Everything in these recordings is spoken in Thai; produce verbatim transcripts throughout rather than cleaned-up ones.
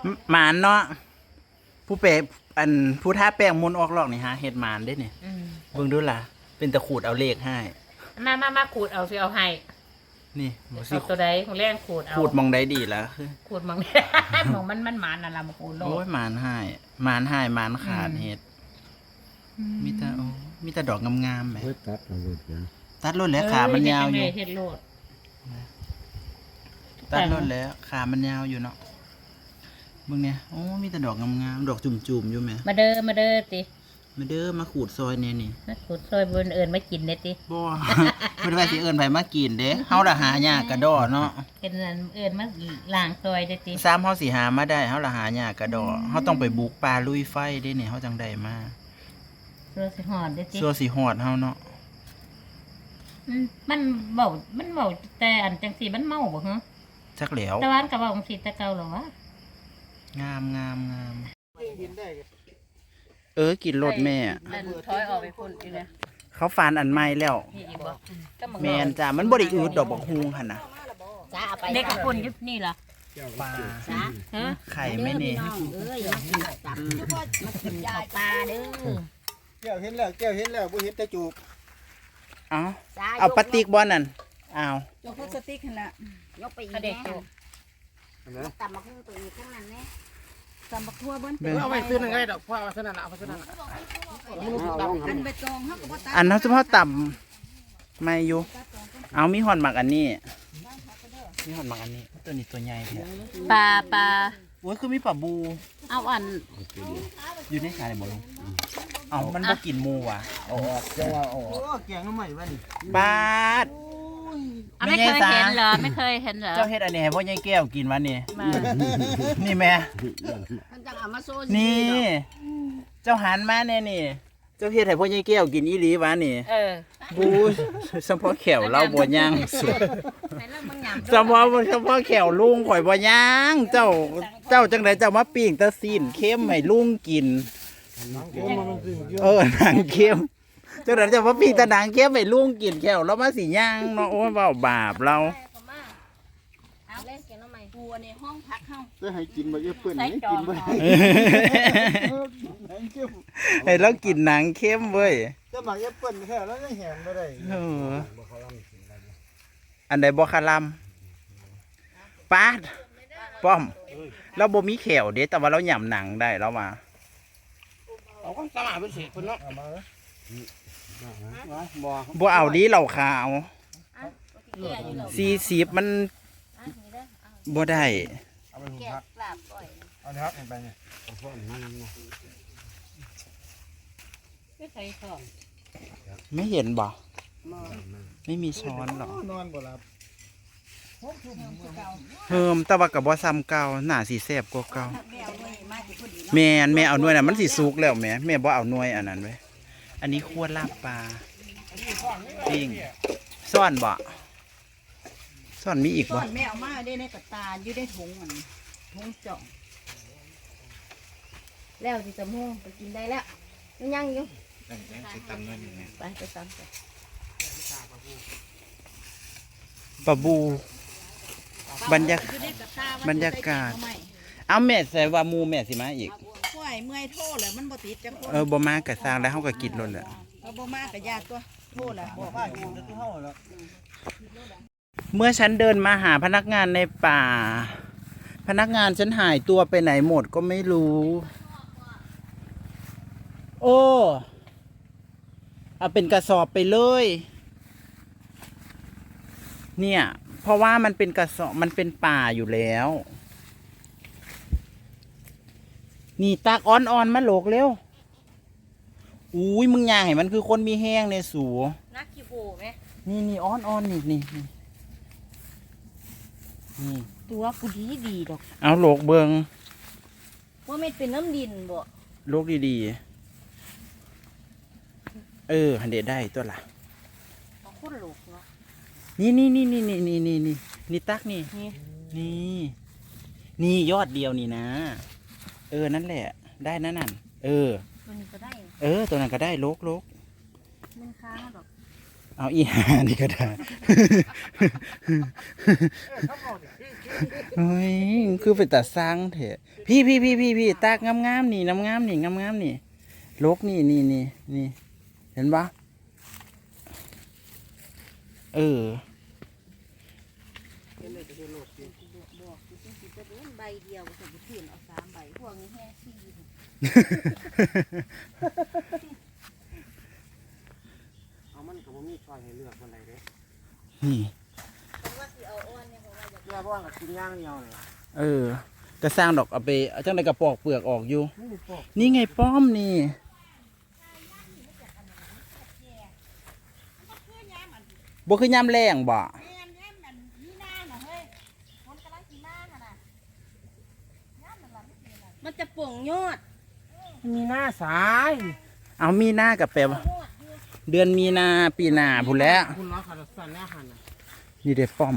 หมานเนาะผู้เปะอันผู้ท่าแป้งมนต์ออกหลอกนี่ฮะเฮ็ดหมานได้เนี่ยเบิ่งดูล่ะเป็นตะขูดเอาเลขให้มามามาขูดเอาสิเอาให้นี่บ่สิเอาตัวใดของแรงขูดเอาขูดมองได้ดีแล้วคือขูดมองมองมันมันหมานนั่นล่ะมาขูดโลโอ้ยหมานให้หมานให้หมานขาดเฮ็ดมีแต่โอ้มีแต่ดอกงามๆแหมตัดเอาลูกจ้ะตัดรถแล้วขามันยาวอยู่เฮ็ดโลดตัดรถแล้วขามันยาวอยู่เนาะเบิ่งเนี่ยโอ้มีแต่ดอกงามๆดอกจุ่มๆอยู่แหมมาเด้อมาเด้อติมาเด้อมาขูดซอยเนี่ยนี่มาขูดซอยบนเอิญมากินเด้ติบ่บ่ได้ว่าสิเอิ้นไผมากินเด้เฮาละหายากกระดอเนาะเป็นนั้นเอิญมาล้างซอยเด้ติซ้ำเฮาสิหามาได้เฮาละหายากกระดอเฮาต้องไปบุกป่าลุยไฟเด้นี่เฮาจังได้มาซัวสิฮอดเด้ติซัวสิฮอดเฮาเนาะมันเว้ามันเว้าแต่อันจังซี่มันเมาบ่ฮะจักแหล้วแต่ว่าอันก็เว้าจังซี่แต่เก่าแล้ววะงามงามงามเออกินรถแม่ถอยออกไปพุ่นอีกแล้วเขาฟานอันใหม่แล้วแม่นจ้ามันบ่ได้อืดดอกบักฮุงหั่นน่ะจ้าเอาไปเด็กกับพุ่นอยู่นี่ล่ะปลาฮะไข่แม่นี่เอ้ยมากินตำมากินข้าวปลาเด้อแก้วเห็นแล้วแก้วเห็นแล้วบ่เห็นแต่จูบเอาเอาปลาติกบ่นั่นเอายกพลาสติกนั่นแหละยกไปอีกเด็กจูบตำมาขึ้นไปอีกข้างนั้นแน่ตำบักทั่วเบิ้ลเอาไปซื้อหนึ่งไงดอกพ่อเอาซื้อนั่นเอาไปซื้อนั่นอันใบตองเขาก็บ่ตัดอันนั้นเฉพาะต่ำไม่อยู่เอามีหอนหมักอันนี้มีหอนหมักอันนี้ตัวนี้ตัวใหญ่เนี่ยปลาปลาโอ้ยคือมีปลาบูเอาอันอยู่ในขาเลยบ่ลุงเอามันบ่กินหมูว่ะออกจังว่าออกโอ้แกงน้ำใหม่บ้านี่บาดไม่เคยเห็นเหรอไม่เคยเห็นเหรอเจ้าเฮ็ดอันนี้ให้พ่อยายแก้วกินวะนี่นี่แม่นี่เจ้าหันมาแน่นี่เจ้าเฮ็ดให้พ่อยายแก้วกินอีหลีวะนี่เออบูเฉพาะแขวเราบ่ย่างสุดเฉพาะเฉพาะแขวลุงข่อยบ่ย่างเจ้าเจ้าจังไดเจ้ามาปิ้งตะซีนเค็มให้ลุงกินเออหนังเค็มเจ้าเดี๋ยวจะมาปีตะนางเก็บไปลุงกินแก้วแล้วมาสีย่างเนาะโอ้ยเบาบาปเราเอาเล่นเกมน้ำใหม่ปูในห้องพักเข้าจะให้กินมาเยอะเพื่อนนี่กินไปให้เรากินหนังเข้มเว้ยจะหมักเยอะเพื่อนแค่แล้วยังแหงไม่ได้อันใดบ่คาลัมปาดป้อมเราบ่มีแขวเด้แต่ว่าเราหย่ำหนังได้แล้วมาเอาก็สมาเป็นเศษคนเนาะบ่เอาดีเหล่าขาวสี่สิบมันบ่ได้เอาไปหุงพักเอาเนื้อเห็นไปเนี่ยเอาพวกมันนั่งเนี่ยไม่ใช่ช้อนไม่เห็นบ่ไม่มีช้อนหรอกนอนบ่หลับเพิ่มแต่ว่ากับบ่ซ้ำเก่าหน้าสีแซ่บกว่าเก่าแม่แม่เอาหน่วยน่ะมันสิสุกแล้วแม่แม่บ่เอาหน่วยอันนั้นไว้อันนี้คั่วลาบปลาปิ้งซ่อนบ่ซ่อนมีอีกบ่ซ่อนแม่เอามาได้ในกระตาอยู่ได้ถุงมันถุงจ่องแล้วสิจะม่วงไปกินได้แล้วยังอยู่ไปไปตำไปปลาบูบรรยากาศบรรยากาศเอาแม่ใส่ว่ามูแม่สิมาอีกห่วยเมื่อยโทษเลยมันบ่ติดจังเออบ่มากะสร้างแล้วเฮาก็กินล้นแหละเออบ่มากกะยากตัวโทษล่ะบอกว่ากินตัวเฮาแล้วเมื่อฉันเดินมาหาพนักงานในป่าพนักงานฉันหายตัวไปไหนหมดก็ไม่รู้โอ้เอาเป็นกระสอบไปเลยเนี่ยเพราะว่ามันเป็นกระสอบมันเป็นป่าอยู่แล้วนี่ตากอ่อนๆมาโหลกเร็วอุ้ยมึงย่างให้มันคือคนมีแห้งในสูนักขี้โบไหมนี่นี่อ่อนๆนี่นี่นี่ตัวกูดีดีดอกเอาโหลกเบิงว่าไม่เป็นน้ำดินบ่โหลกดีๆเออหันเดได้ตัวละคนโหลกเนาะนี่นี่นี่นี่นี่นี่นี่นี่นี่ตักนี่นี่นี่ยอดเดียวนี่นะเออนั่นแหละได้นั่นนั่นเออตัวนี้ก็ได้เออตัวนั้นก็ได้โลกโลกมันค้างดอกเอาอีหานี่ก็ได้โอ้ยคือเป็นตาสร้างเถอะพี่พี่พี่พี่พี่ตากงามๆนี่น้ำงามนี่งามๆนี่ลกนี่นี่นี่นี่เห็นปะเออใบเดียวจะไปเปลี่ยนเอาสามใบพวกนี้แค่สี่เอามันกับมีซอยให้เลือกคนใดเด้นี่ว่าสิเอาอ้วนเนี่ยเพราะว่าจะเลือกว่ากินย่างเดียวเลยเออก็สร้างดอกเอาไปเอาจังไดกระปอกเปลือกออกอยู่นี่ปอกนี่ไงป้อมนี่ บ่คือยามแรงบ่มันจะป่งยอดมีหน้าสายเอามีนากับแปลว่าเดือนมีนาปีหน้าพุ่นแหล้วคุณล้อขาดสั่นแน่หันนะนี่เด้ป้อม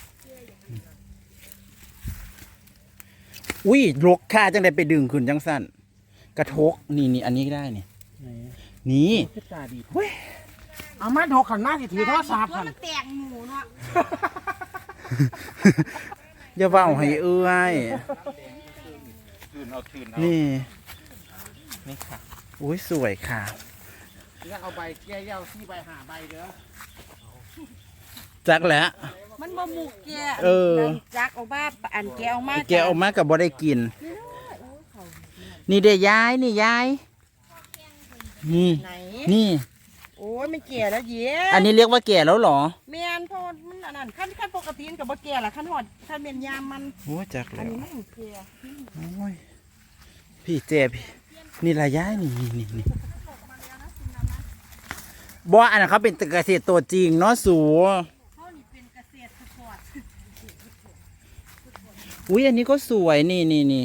อุ้ยลกค่าจังไดไปดึงขึ้นจังสั่นกระทกนี่นี่อันนี้ก็ได้นี่นี่พิจารดีเฮ้ยเอามาโดขันหน้าที่ถือโทรศัพท์ตัวหันมันแตกหมูเนาะอย่าเว้าให้เอื้อยถืนเอาถืนเอานี่นี่ค่ะอุ้ยสวยค่ะแล้วเอาใบแก้ยาวซี่ใบหาใบเด้อจักแล้วมันบ่หมูแกเออจักเอาบ้าอันแกเอามาแกออกมากับบ่ได้กิน นี่เด้ยายนี่ยายนี่ไหนนี่โอ้ยมันแก่แล้วเย้อันนี้เรียกว่าแก่แล้วเหรอแม่นเพราะมันอันนั้นขั้นขั้นปกติมันกับบ่แก่ละขั้นหอดขั้นเมียนยามมันโอ้ยจักอันแล้วนี้มันแก่โอ้ยพี่เจ็บนี่ละยายนี่นี่นี่นี่บ่อันนั้นเขาเป็นเกษตรตัวจริงเนาะสูเขานี่เป็นเกษตรสปอร์ตอุ้ยอันนี้ก็สวยนี่นี่นี่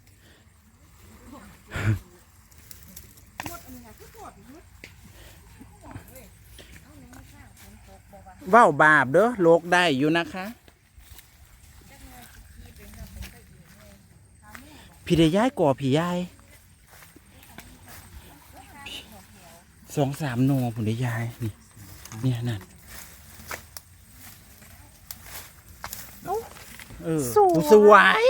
ว้าวบาปเด้อโลกได้อยู่นะคะ พี่ได้ย้ายก่อพี่ย้ายสองสามโนผมได้ย้ายนี่เนี่ยนั่นเออสวย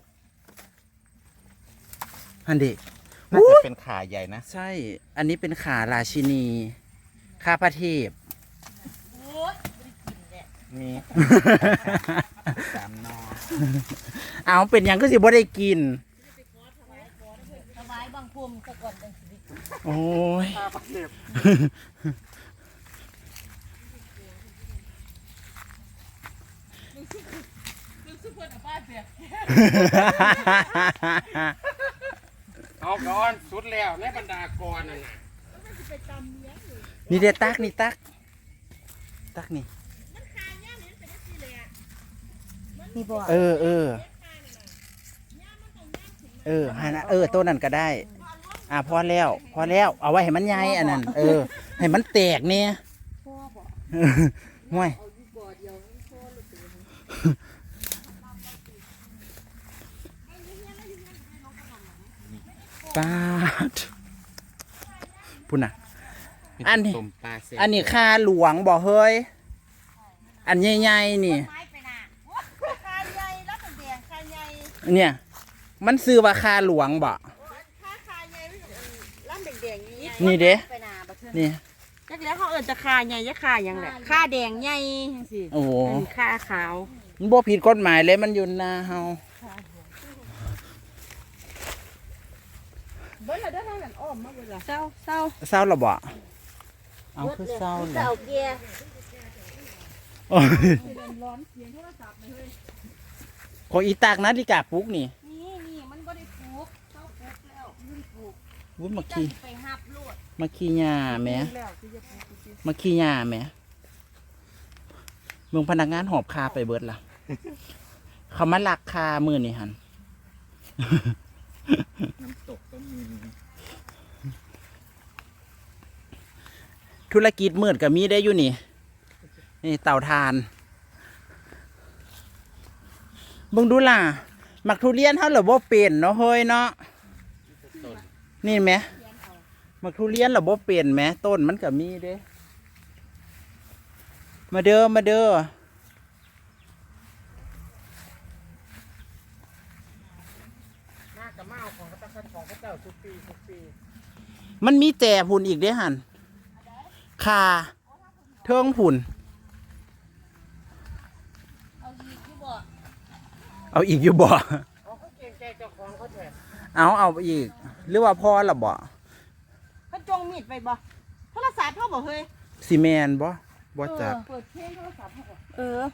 อันเด็กน่าจะเป็นขาใหญ่นะใช่ อันนี้เป็นขาราชินีข้าพระเทพโอ้ยบ่ได้กินแหละมีสามนอเอาเป็นหยังก็สิบ่ได้กินถวายบังคมซะก่อนจังสิโอ้ยข้าประเทศ เอาก่อนสุดแล้วในบรรดากรนั่นน่ะนี่เด็ดตักนี่ตัก ตักนี่นี่บ่เออเออเออฮานะเออตัวนั้นก็ได้ อ่ะพอแล้ว พอแล้ว เอาไว้ให้มันใหญ่อันนั้น เออ ให้มันแตกเนี่ยพ่อบ่ห่วยเอาอยู่บ่อเดียวมันพ่อหรือเปล่าปาดพุ่นน่ะ อันนี้ต้มปลาเส้นอันนี้คาหลวงบ่เฮ้ย อันใหญ่ๆนี่ไม้ไปน่ะคาใหญ่แล้วก็แดงคาใหญ่เนี่ย มันซื้อว่าคาหลวงบ่คาคาใหญ่ล้ำแดงๆนี่นี่เด้ไปน่ะบ่เทื่อนี่จักแล้วเขาเอิ้นจะคาใหญ่ยะคาหยังแหละคาแดงใหญ่จังซี่โอ้โหอันคาขาวมันบ่ผิดกฎหมายเลยมันอยู่หน้าเฮาเบิ่งแล้วเด้อทางนั้นอ้อมมาเบิ่งล่ะเศร้าเศร้าเศร้าหรอบ่เอาคือเศร้าเลยเศร้าเกียร์โอ้ยของอีตากนาฬิกาปลุกนี่นี่นี่มันบ่ได้ปลูกเศร้าปลูกแล้วมันปลูกวุ้นมาจังขี้ไปหับโลดมาขี้หญ้าแหมแล้วสิจะปลูกสิมาขี้หญ้าแหมเมืองพนักงานหอบคาไปเบิดล่ะ เขามาลักคามือนี่หันน้ำตกก็มีธุรกิจมืดกับมีได้อยู่นี่ นี่เต่าทานเบิ่งดูล่ะหมักทุเรียนเฮาเหรอบ่เป็นเนาะเฮ้ยเนาะนี่ไหมหมักทุเรียนเหรอบ่เป็นไหมต้นมันก็มีเด้มาเด้อมาเด้อมันมีแจ่ผุนอีกเด้อหันค่ะเทิงผุนเอาอีกอยู่บ่เอาอีกอยู่บ่เอาเอาอีก หรือว่าพอละบ่เขาจงมีดไปบ่โทรศัพท์เขาบ่เฮ้ยซีเมนบ่บ่จักเปิดเพลงโทรศัพท์เขาบ่เออ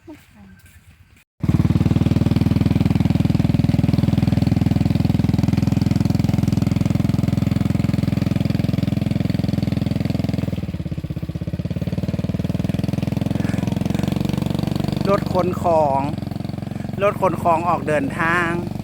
รถขนของ รถขนของออกเดินทาง